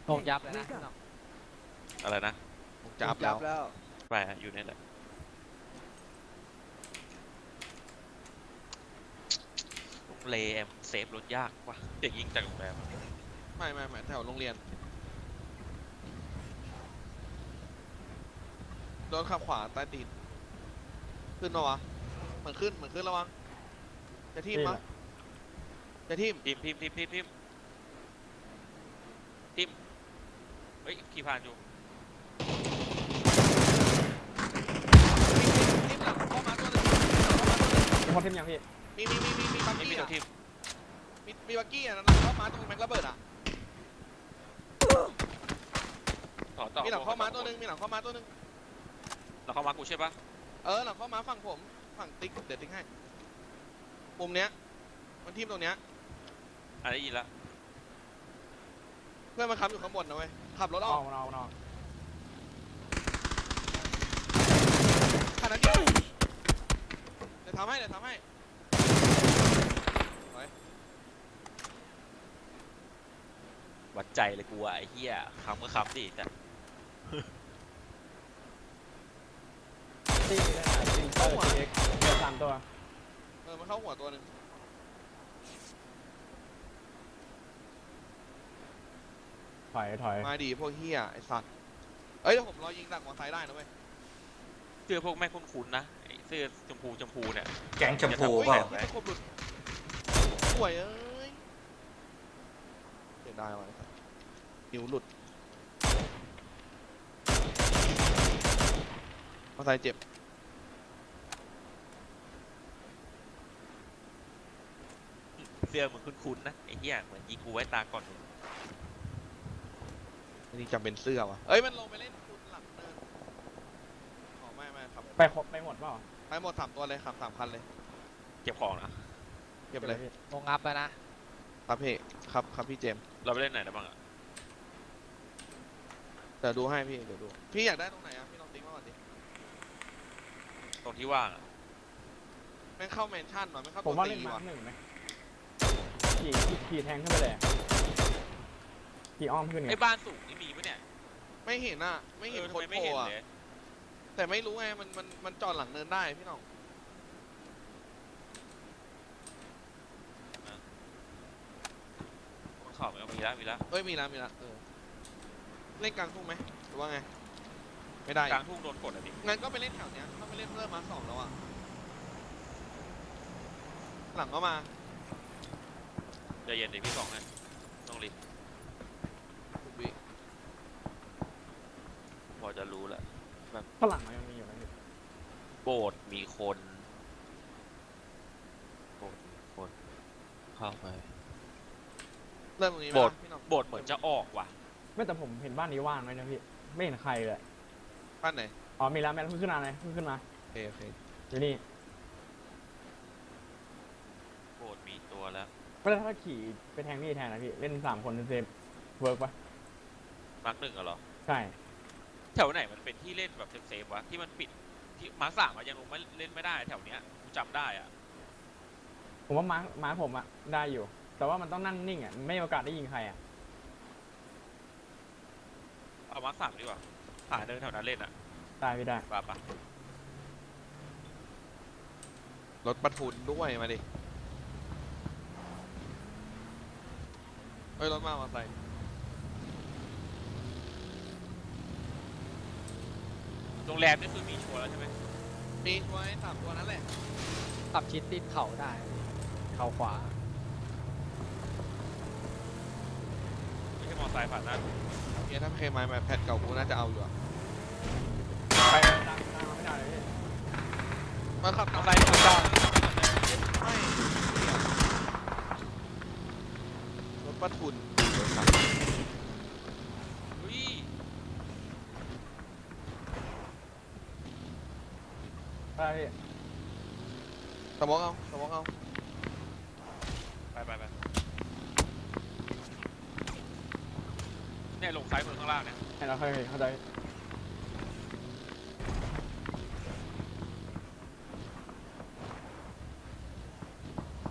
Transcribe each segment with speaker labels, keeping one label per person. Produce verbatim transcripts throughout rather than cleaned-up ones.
Speaker 1: ลงยับเลยนะพี่น้อง
Speaker 2: อะไรนะ
Speaker 3: ผมจะอัพแล้ว
Speaker 1: แล้ว
Speaker 2: ไปอะอยู่นี่แหละโรงแรมเซฟรถยากว่ะเด็กยิงจากโรงแรมอะ
Speaker 3: ไม่ไม่ไม่แถวโรงเรียนโดนขับขวาใต้ตีนขึ้นมาวะเหมือนขึ้นเหมือนขึ้นระวังจะทิ่มมะจะทิ่ม
Speaker 2: ทีมทีมทีมทีมทีมทีมเฮ้ยขี่ผ่านอยู่
Speaker 3: ทิ่มหลังเข้ามาตัวหนึง
Speaker 4: มีคนเทมยังพี่
Speaker 3: มีมีมีมีมีบัก
Speaker 2: ไม่มี
Speaker 3: กี้
Speaker 2: ตัว
Speaker 3: อ่ะ
Speaker 2: ทีม
Speaker 3: มีมีบักกี้อ่ะนั่นเข้ามาตรงแม็กระเบิดอ่ะ
Speaker 2: ต่อต่อ
Speaker 3: มีหลังเข้ามาตัวหนึงมีหลังเข้ามาตัวหนึง
Speaker 2: หลังเข้ามากูใช่ปะ
Speaker 3: เออหลังเข้ามาฝั่งผมฝั่งติ๊กเดี๋ยวติ๊กให้มุมเนี้ยมันทิ่มตรงเนี้ย
Speaker 2: อ่ะได้ยินละ
Speaker 3: เพื่อนมันค้ำอยู่ข้างบนนะเว้ยขับรถอ
Speaker 4: เอา
Speaker 3: อก
Speaker 4: เอาเอา
Speaker 3: ขนาดนี้เดี๋ยวทำให้เดี๋ยวทำให้
Speaker 2: วัดใจเลยกูอะไอ้เหี้ยคำก็คำดิแต่
Speaker 4: ตีได้ไหมตีเตอร์ทีเอ็กเดือดสามตัว
Speaker 3: เออมันเข้าหัวตัวหนึ่ง
Speaker 4: ถอยถอย
Speaker 3: มาดีพวกเฮียไอสัตว์เอ้ยเดี๋ยวผมรอยิงดักมอไซค์ได้นะเว้ย
Speaker 2: เสื้อพวกแม่งคุ้นๆนะไอ้เสื้อชมพูชมพูเนี่ย
Speaker 5: แก๊งชมพู
Speaker 3: โอ้ย
Speaker 5: เปล่า
Speaker 3: ที่ตะคบหลุดสวยเอ้ยเสียดายว่ะไอ้สัตว์นิ้วหลุดมอไซค์เจ็บ
Speaker 2: เสื้อมึงคุ้นๆนะไอ้เหี้ยเหมือนยิงกูไว้ตาก่อนมึง
Speaker 3: อันนี้จำเป็นเสื้อว่ะเอ้ยมันลงไปเล่นคุณหลังเนินอ๋อไม่ไม่ครับ
Speaker 4: ไปครบไปหมดเปล่า
Speaker 3: ไปหมดสามตัวเลยครับสามคันเลย
Speaker 2: เก็บของนะ
Speaker 3: เก็บเลย
Speaker 4: พี่
Speaker 1: ลงอัพแล้วนะครับ
Speaker 3: พี่ครับครับพี่เจมส์
Speaker 2: เราไปเล่นไหนได้บ้างอะ
Speaker 3: เดี๋ยวดูให้พี่เดี๋ยวดูพี่อยากได้ตรงไหนอ่ะพี่ลองติ๊กมาก่อนดิ
Speaker 2: ตรงที่ว่างอะ
Speaker 3: แม่งเข้าแมนชั่นหน่อยไม่เข้า
Speaker 4: ผม
Speaker 3: ตัว
Speaker 4: ว่า
Speaker 3: ตี
Speaker 4: เล่นมา
Speaker 3: ว่ะ
Speaker 4: ร์คหนึ่งไหมขี่ขี่แทงขึ้นไปเลยขี่อ้อมขึ้นไง
Speaker 2: ไอ้บ้านสูงนี่มีปะเนี่ย
Speaker 3: ไม่เห็นอ่ะไม่เห็น
Speaker 2: ออ
Speaker 3: ค
Speaker 2: ทำ
Speaker 3: น
Speaker 2: ไมไม่
Speaker 3: โผล่
Speaker 2: เห็น
Speaker 3: อ่ะ
Speaker 2: เลย
Speaker 3: แต่ไม่รู้ไงมันมันมันจอดหลังเนินได้พี่น้อง
Speaker 2: บนเขามันก็มีแล้วมีแล้ว
Speaker 3: เอ้ยมีแล้วมีแล้วเออเล่นกลางทุ่งไหมหรือว่าไงไม่ได้
Speaker 2: กลางทุ่งโดนกดอะดิ
Speaker 3: งั้นก็ไปเล่นแถวเนี้ยถ้าไปเล่นเริ่มมาสองแล้วอ่ะหลังก็มา
Speaker 2: ใจเย็นดิพี่สองนะต้องรีบ
Speaker 3: ทุกวิ
Speaker 2: พอจะรู้แหละ
Speaker 4: ข้างหลังมันยังมีอยู่นะพี่
Speaker 2: โบสถ์มีคนโบสถ์มีคนเข้าไป
Speaker 3: เริ่มตรงนี้ไหม
Speaker 2: โบสถ์
Speaker 3: ล่ะพี่น้อง
Speaker 2: โบสถ์เหมือนจะออกว่ะ
Speaker 4: ไม่แต่ผมเห็นบ้านนี้ว่างเลยนะพี่ไม่เห็นใครเลย
Speaker 3: บ้านไหน
Speaker 4: อ๋อมีแล้วแม่เพิ่งขึ้นมาเลยเพิ่งขึ้นมา
Speaker 3: โอเคโอเค
Speaker 4: อยู่นี่
Speaker 2: โบสถ์มีตัวแล้ว
Speaker 4: ไม่ได้ถ้าขี่ไปแทงนี่แทนนะพี่เล่นสามคนเซฟเวิร์กปะ
Speaker 2: มาร์กหนึ่งอะเหรอ
Speaker 4: ใช่
Speaker 2: แถวไหนมันเป็นที่เล่นแบบเซฟๆวะที่มันปิดที่มาร์คสามอะยังลงไม่เล่นไม่ได้แถวเนี้ยกูจำได้อะ
Speaker 4: ผมว่ามาร์คมาร์คผมอะได้อยู่ แต่ว่ามันต้องนั่งนิ่งอะไม่มีโอกาสได้ยิงใครอะ
Speaker 2: เอามาร์คสามดีกว่าหาเดินแถวนั้นเล่นอะ
Speaker 4: ได้พี่ได้
Speaker 2: ป่ะป่ะ
Speaker 3: รถบรรทุนด้วยมาดิเอ้ยรถมามาใส่
Speaker 2: โรงแรมนี่คือมีชัวร์แล้วใช่ไหม
Speaker 3: มีช่วยสามตัวนั้นแหละ
Speaker 1: ขับชิดติดเข่าได้เข่าขวา
Speaker 2: ไม่ใช่มอไซค์ผ่านหน้ากู
Speaker 3: เนี่ยถ้าเคมายมาแพทเก่ากูน่าจะเอาอยู่อะ
Speaker 4: ไปตามตามไม่ได้เลยพี่
Speaker 3: มาขับ
Speaker 2: มอ
Speaker 3: ตาม
Speaker 2: ไซค์ผ่านหน้า
Speaker 3: ไม่รถบรรทุน
Speaker 2: อุ้ย
Speaker 4: ได้พี่
Speaker 3: สมองเอาสมองเอา
Speaker 2: ไปไปไปเนี่ยลงซ้ายมือข้างล่างเนี่ย
Speaker 4: ให้เราเข้าใจเข้าใจ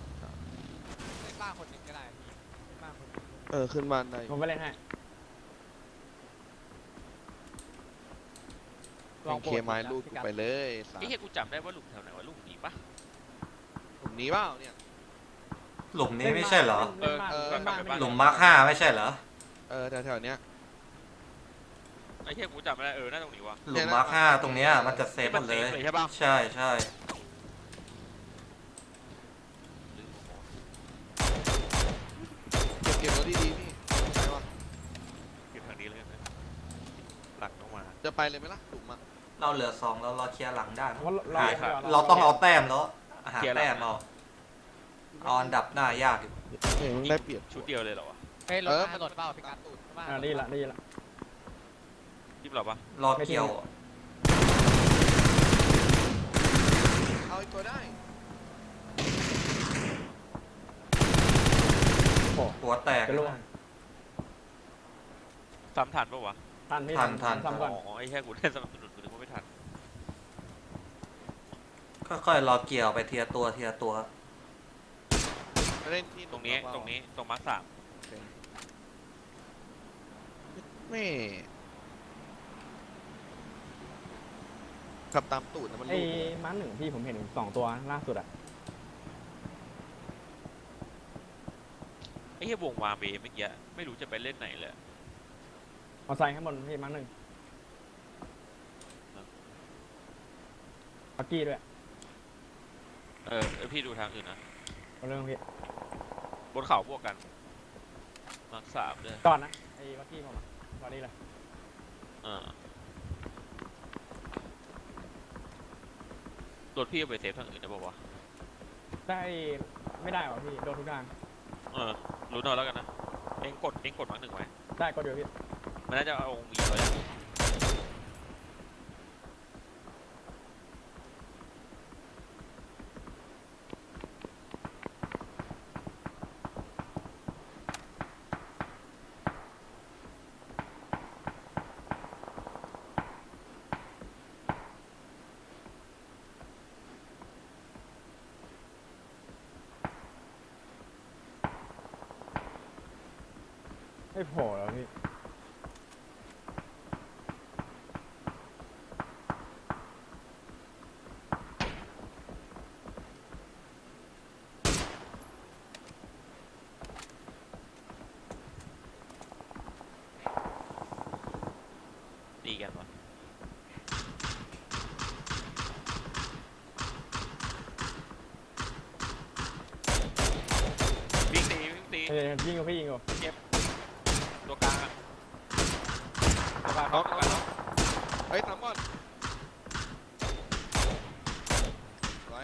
Speaker 1: เล่นบ้านคนหนึ่งก็ได้พี่เล่นบ้านคนหนึ่ง
Speaker 3: เออขึ้นบ้านได้
Speaker 4: ผมไปเล่นให้
Speaker 1: ลอง
Speaker 3: เคไม้ลูดกูไปเลยสา
Speaker 2: ไอ้เหี้ยกูจำได้ว่าหลุมแถวไหนวะหลุมนี้ปะ
Speaker 3: ผมหนีเปล่าเนี่ย
Speaker 5: หลุมนี้ไม่ใช่เหรอ
Speaker 4: เล่นบ้าน
Speaker 3: เออ
Speaker 4: เล่นบ้าน
Speaker 2: เออ
Speaker 4: ไม่
Speaker 5: หลุมมาร์คห้าไม่ใช่เหรอ
Speaker 3: เออแถวๆเนี้ย
Speaker 2: ไอ้เหี้ยกูจำไม่ได้เออน่าตรงนี้วะ
Speaker 5: หลุมมาร์คห้าตรงเนี้ยมันจะเซฟหมดเลย
Speaker 2: มันเซฟเลยใช่ปะ
Speaker 5: ใช่ใช่
Speaker 3: เก็บเก็บรถดีๆพี่ใช่ปะ
Speaker 2: เก็บทางนี้เลยนะหลักลงมา
Speaker 3: จะไปเลยไหมล่ะหลุมอ่ะ
Speaker 5: เราเหลือสองแล้วเราเคลียร์หลังได้
Speaker 4: เพราะเรา
Speaker 5: หา
Speaker 2: ครับ
Speaker 5: เราต้องเอาแต้มแล้วหาแต้มเอาเอาอันดับหน้ายากอยู่
Speaker 3: เฮ้ยมึงได้เปรียบ
Speaker 2: ชุดเดียวเลยเหรอวะ
Speaker 1: เฮ้ยรถ
Speaker 3: เออ
Speaker 1: ถนนเปล่าพิกัด
Speaker 3: ตูด
Speaker 1: บ้าน
Speaker 4: อ่าดีละดีละ
Speaker 2: ยิบเราปะ
Speaker 5: รอเกี่ยว
Speaker 3: เอาอีกตัวได้
Speaker 4: โอ้
Speaker 5: หัวแตก
Speaker 4: จะล่วง
Speaker 2: ซ้ำทันปะวะ
Speaker 4: ทันพี่
Speaker 5: ทันทัน
Speaker 4: ทำก่อน
Speaker 2: อ๋อไอ้แค่กูได้สนับสนุนกูนึกว่าไม่ทัน
Speaker 5: ค่อยๆรอเกี่ยวไปเทียตัวเทียตัว
Speaker 3: ไปเล่นที่
Speaker 2: ตรงนี้ตรงนี้ตรงมาร์คสาม
Speaker 3: ไม่ขับตามตูดนะมัน
Speaker 4: ไอ้
Speaker 3: ลูดเลย
Speaker 4: ม้าหนึ่งพี่ผมเห็นสองตัวล่าสุดอะ
Speaker 2: ไอ้เหี้ยวงวาเบเมื่อกี้ไม่รู้จะไปเล่นไหนเลย
Speaker 4: เอาไซค์ข้างบนพี่ม้าหนึ่งปักกี้ด้วย
Speaker 2: เออเออพี่ดูทางอื่นนะ
Speaker 4: เอาเรื่องพี่
Speaker 2: บนเขาบวกกันมาร์คสามเลย
Speaker 4: ก่อนนะไอ้ปักกี้ผมอะตอนนี้เลย
Speaker 2: เออรถพี่เอาไปเซฟทางอื่นได้ปะวะ
Speaker 4: ได้ไม่ได้หรอพี่โดนทุกทาง
Speaker 2: เออรู้นอนแล้วกันนะเองกดเองกดมาร์คหนึ่งไว้
Speaker 4: ได้ก็เดียวพี่
Speaker 2: มันน่าจะเอาองค์อีกไว้อะ
Speaker 4: ไม่โผล่แล้วพี่
Speaker 2: ตีกันวะวิ่งตีวิ่งตี
Speaker 4: เอ้ยยิงกับพี่ยิงกับ
Speaker 2: ตัวกลางอะตัวกลางน็อกตัวกลางน็อก
Speaker 3: เฮ้ยตามก่อนไว้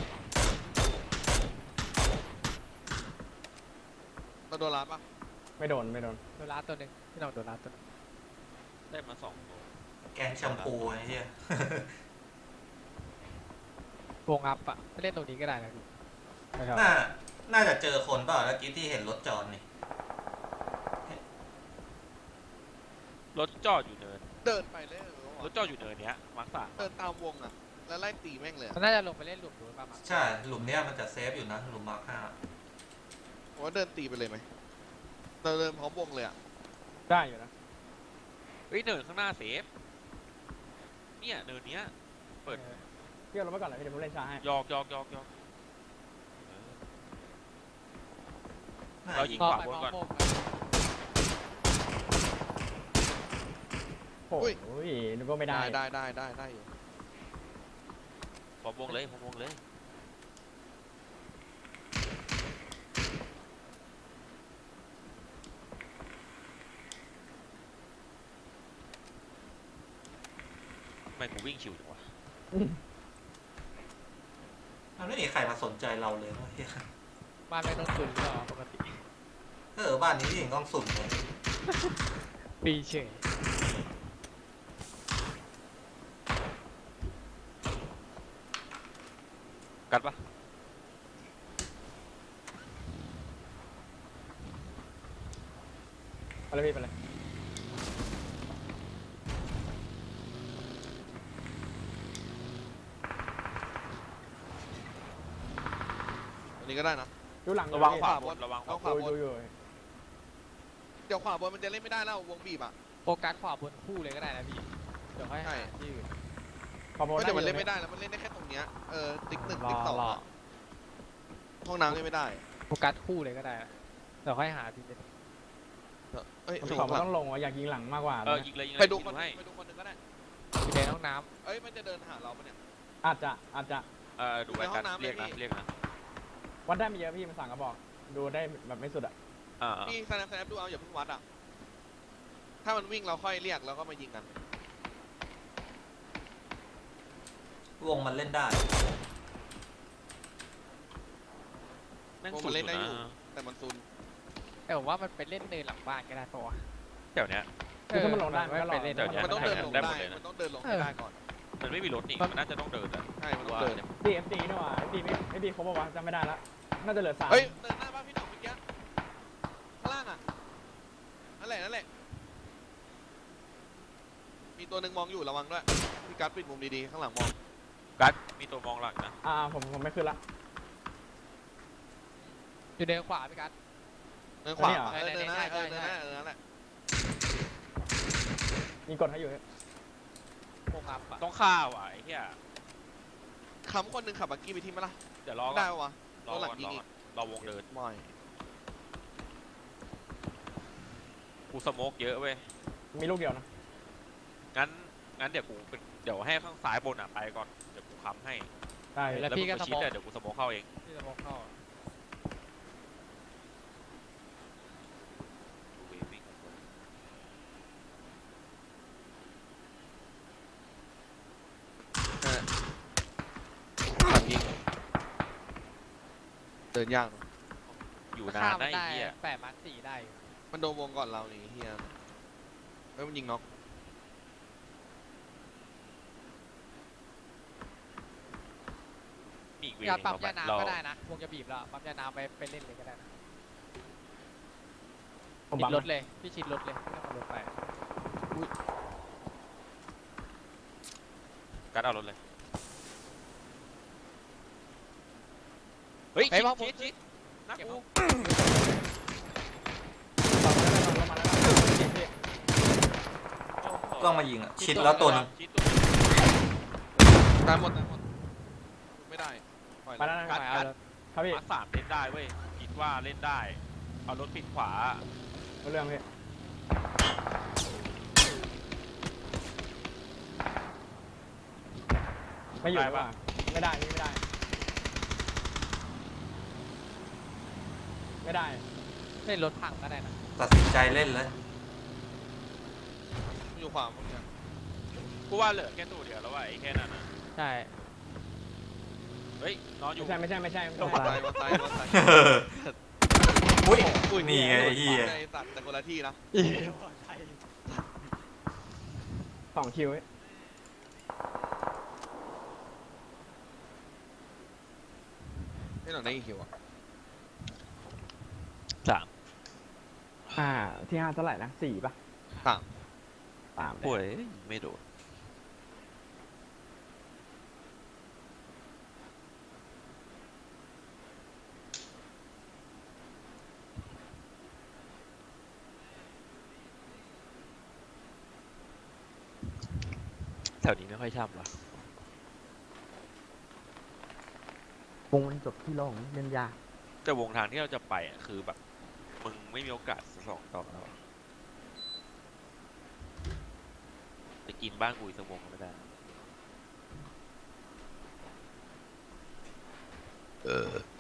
Speaker 3: เราโดนร้านปะ
Speaker 4: ไม่โดนไม่โดน
Speaker 1: โดนลาดตัวหนึ่งพี่น้องโดนลาดตัวหนึ่ง
Speaker 2: ได้มาสองตัว
Speaker 5: แกงแชมพูไอ้เหี้ยว
Speaker 1: งอัพอะไปเล่นตรงนี้ก็ได้นะพี่
Speaker 4: ไม่ครับ
Speaker 5: น่าน่าจะเจอคนเปล่าเมื่อกี้ที่เห็นรถจอดนี่
Speaker 2: รถจอดอยู่เนิน
Speaker 3: เดินไปเลยเออ
Speaker 2: รถจอดอยู่เนินเนี้ยมาร์คสาม
Speaker 3: เดินตามวงอ่ะ แล้วไล่ตีแม่งเลยอะ
Speaker 1: มันน่าจะลงไปเล่นหลุมดูป่ะมั้ง
Speaker 5: ใช่หลุมเนี้ยมันจะเซฟอยู่นะหลุมมาร์คห้า
Speaker 3: ผมว่าเดินตีไปเลยไหมเราเดินพร้อมวงเลยอ่ะ
Speaker 4: ได้อยู่นะ
Speaker 2: เฮ้ยเนินข้างหน้าเซฟเนี่ยเนินเนี้ย เปิด
Speaker 1: ออ
Speaker 4: พี่เอารถไปก่อนเลยพี่เดี๋ยวผมเล่นช้าให้
Speaker 2: ยอกยอกยอกยอก
Speaker 5: น่า
Speaker 2: เรา
Speaker 5: ยิ
Speaker 2: ยิ
Speaker 5: ง
Speaker 2: ง
Speaker 1: มอง
Speaker 2: ขวา
Speaker 1: ไป
Speaker 2: บน
Speaker 1: มอง
Speaker 2: ก่อน
Speaker 1: มุม
Speaker 4: โอ้ยนึกว่าไม่ได้
Speaker 3: ได้ได้ได้ได้ได้อยู่
Speaker 2: พร้อมวงเลยพร้อมวงเลยทำไมกูวิ่งชิวจังวะ
Speaker 5: มันไม่มีใครมาสนใจเราเลยเว้ย
Speaker 1: บ้านไม่ต้องตุนหรอปกติ
Speaker 5: เออบ้านนี้ยิงต้องสุ่มเลย
Speaker 1: ปีเฉย
Speaker 2: กัดปะ
Speaker 4: ไปเลยพี่ไปเลย
Speaker 3: อันนี้ก็ได้นะ
Speaker 4: ดูหลัง
Speaker 2: ระวัง
Speaker 4: พี่
Speaker 2: ขวาบนระวังขวา
Speaker 3: เอา
Speaker 2: บ
Speaker 3: ขวาน บ
Speaker 4: ดู
Speaker 3: น
Speaker 4: อยู่
Speaker 3: เดี๋ยวขวาบนมันจะเล่นไม่ได้แล้ววงบีบอ่ะ
Speaker 1: โฟกัสขวาบนคู่เลยก็ได้นะพี่เดี๋ยวค่อย
Speaker 3: ใช่
Speaker 1: หาที่อื่น
Speaker 4: ขอโบ
Speaker 3: ไม่
Speaker 4: ได้
Speaker 3: แต่มัน
Speaker 4: อ
Speaker 3: เล่
Speaker 4: ยู่
Speaker 3: นไม่ได้แล้วมันเล่นได้แค่ตรงเนี้ยเออติ๊กหนึ่งติ๊กสอง
Speaker 1: รอ
Speaker 3: อะห้องน้ำเล่นไม่ได้
Speaker 1: โฟกัสคู่เลยก็ได้นะเดี๋ยวค่อยหาทีเด็ด
Speaker 3: เอ้ย
Speaker 4: ผม
Speaker 3: ดู
Speaker 4: ขอ
Speaker 3: ข้างหลัง
Speaker 4: ต้องลงว่ะอยากยิงหลังมากกว่า
Speaker 2: เออ
Speaker 4: นะ
Speaker 2: ยิงเลยยิงเลย
Speaker 3: ไปดู
Speaker 2: ยิง
Speaker 3: คน
Speaker 2: ให้
Speaker 3: ไปดูคนหนึ่งก็ได้
Speaker 1: ทีเด็ดห้องน้
Speaker 3: เอ้ยมันจะเดินหาเราปะเนี่ย
Speaker 4: อาจจะอาจจะ
Speaker 2: เออดูไว้
Speaker 3: ในห้
Speaker 2: กั
Speaker 3: อน งน้ำ
Speaker 2: เรียกนะ
Speaker 3: เลยพี่
Speaker 2: เรียกนะ
Speaker 4: วัดได้ไม่เยอะพี่มันสั่งกระบอก ดูได้แบบไม่สุดอะ
Speaker 2: อ่า
Speaker 3: พี่สแนปสแนปดูเอาอย่าเพิ่งวัดอ่ะถ้ามันวิ่งเราค่อยเรียกแล้วก็มายิงกัน
Speaker 5: วงมันเล่นได้
Speaker 2: แม่ง
Speaker 3: วง
Speaker 2: สุ
Speaker 3: มั
Speaker 2: ด
Speaker 3: นเล่นได้
Speaker 2: อ
Speaker 3: อยู่ ยู่
Speaker 2: นะ
Speaker 3: แต่มันซุน
Speaker 1: ำแต่ผมว่ามันไปเล่นเนินหลังบ้านก็ได้ตัว
Speaker 2: แถวเนี้ย
Speaker 4: คือถ้ามันลงได้มันก็รอ
Speaker 1: ไปเล่น
Speaker 2: ดี๋ยว
Speaker 3: มันต้องเดินลง
Speaker 2: ได้
Speaker 3: ได้
Speaker 2: หมดเลยนะ
Speaker 3: มันต้องเดินลงให้ได้ก่อน
Speaker 2: มันไม่มีรถนี่
Speaker 1: มัน
Speaker 2: มันน่าจะต้องเดินอะ
Speaker 3: ใช่มันต้องเดิน
Speaker 4: ดีเอฟดีนี่หว่าเอฟดีไม่เอฟดีเขาบอกว่าจำไม่ได้ละน่าจะเหลือสาม
Speaker 3: เฮ้ยเดินหน้าบ้านพี่หน่องเมื่อกี้ข้างล่างอ่ะนั่นแหละนั่นแหละมีตัวหนึ่งมองอยู่ระวังด้วยพี่กัสปิดมุมดีๆข้างหลังมอง
Speaker 2: กัดมีตัวมองหลังนะ
Speaker 4: อ่าผมผมไม่ขึ้นละ
Speaker 1: อยู่เดินขวาพี่กัส
Speaker 3: เดินขวา
Speaker 4: อันนี้เหรอ
Speaker 3: เออเดินหน้า
Speaker 1: ใช่
Speaker 3: เออ
Speaker 1: ใช่
Speaker 3: เดินหน้าเออนั่นแหละ
Speaker 4: มีกดให้อยู่
Speaker 1: โมงับอ่ะ
Speaker 2: ต้องฆ่าว่ะไอ้เหี้ย
Speaker 3: คำคนหนึ่งขับบักกี้ไปที่มั้ยล่ะ
Speaker 2: เดี๋ยวรอก่
Speaker 3: ได้
Speaker 2: อน
Speaker 3: ปะวะ
Speaker 2: รอ
Speaker 3: ตัวหลั
Speaker 2: ก่
Speaker 3: ง
Speaker 2: อน
Speaker 3: ยิ
Speaker 2: รง อ
Speaker 3: อี
Speaker 2: ก่อก นรอวงเดิน
Speaker 3: ไม่
Speaker 2: กูสโมกเยอะเว้ย
Speaker 4: มีลูกเดียวนะ
Speaker 2: งั้นงั้นเดี๋ยวกูเป็นเดี๋ยวให้ข้างซ้ายบนอ่ะไปก่อนเดี๋ยวกูค้ำให้
Speaker 4: ได้
Speaker 1: แล้ว
Speaker 2: แล้ว
Speaker 1: พี่
Speaker 2: มึง
Speaker 1: ก็
Speaker 2: ไป
Speaker 1: ส
Speaker 2: ชิด
Speaker 1: โมอง
Speaker 2: อะเดี๋ยวกูสโมกเข้าเอง
Speaker 1: พี่สโมองเข้า
Speaker 2: ดูเววิ่ง
Speaker 3: นั่นแหละหลังยิงเดินยากเนอะ
Speaker 2: อยู่
Speaker 1: ถ้าน
Speaker 2: าน
Speaker 1: ฆ่ามั
Speaker 2: นะ
Speaker 1: น
Speaker 2: ไอ้
Speaker 1: ได้
Speaker 2: เหี้ย
Speaker 1: แปดมาร์คสี่ได้อยู่
Speaker 3: มันโดนวงก่อนเรานี่เฮียเฮ้ยมันยิงน็อก
Speaker 2: มีอีกเว
Speaker 1: พี่กัส
Speaker 2: นึง
Speaker 1: ปั๊ม
Speaker 2: เรา
Speaker 1: ยาน้ำ
Speaker 2: เรา
Speaker 1: ก็ได้นะวงจะบีบแล้วปั๊มยาน้ำไปไปเล่นเลยก็ได้นะ
Speaker 4: ผม
Speaker 1: ชิ
Speaker 4: บั
Speaker 1: ด
Speaker 4: ง
Speaker 1: รถเลยพี่ชิดรถเลยไม่ต้องเอารถไป
Speaker 2: กัดเอารถเลยเฮ้ย
Speaker 1: เฮ้ย
Speaker 2: ชิด
Speaker 1: มองผม
Speaker 2: ชิดชิดนะ
Speaker 1: เก็บ
Speaker 2: กู
Speaker 4: บังได้แล้วลงมาแล้วพี่
Speaker 5: ต้องมายิงอ่ะ ชิดแล้วตัวหนึง
Speaker 2: ชิดตัวหนึ่ง
Speaker 3: ตายหมดตายหมดไม่ได้ปล่อย
Speaker 4: ไป
Speaker 3: เลย
Speaker 4: แล้วนะ
Speaker 2: กัดกัด
Speaker 4: ครับพี่
Speaker 2: มาสามเล่นได้เว้ยคิดว่าเล่นได้ เอารถปิดขวา
Speaker 4: เอาเรื่องพี่ไม่อยู่ว่ะไม่ได้นี่ไม่ได้ ไม่ได้
Speaker 1: เล่นรถพังก็ได้นะ
Speaker 5: ตัดสินใจเล่นเลย
Speaker 3: มันอยู่ขวาพวกเนี้ย
Speaker 2: กูว่าเหลือแค่ตัวเดียวแล้วว่ะไอ้แค่นั้นนะ
Speaker 1: ใช่
Speaker 2: เฮ้ยนอนอยู่
Speaker 4: ไม่ใช่ไม่ใช่ไม่ใช่
Speaker 3: มา
Speaker 4: ไม่
Speaker 3: ตาย
Speaker 4: ใช่
Speaker 3: มาตายมาตาย
Speaker 5: อุ้ย นี่ไงไอ้เหี้ย
Speaker 3: ในสัตว์แต่คนละที่นะ
Speaker 4: สองคิวเว้ย
Speaker 3: ไม่หนังได้กี่คิวอ่ะ
Speaker 2: สาม
Speaker 4: อ่าที่ห้าเท่าไหร่นะสี่ป่ะ
Speaker 3: สาม
Speaker 4: สาม
Speaker 2: ป่วยไม่โดน แถวนี้ไม่ค่อยช่ำหรอ
Speaker 4: วงมันจบที่โล่งเล่นยาก
Speaker 2: แต่วงทางที่เราจะไปอ่ะคือแบบ มึงไม่มีโอกาสสองต่อแล้วอะจะกินบ้านกูอีกสักวงก็ไม่ได้
Speaker 3: เออ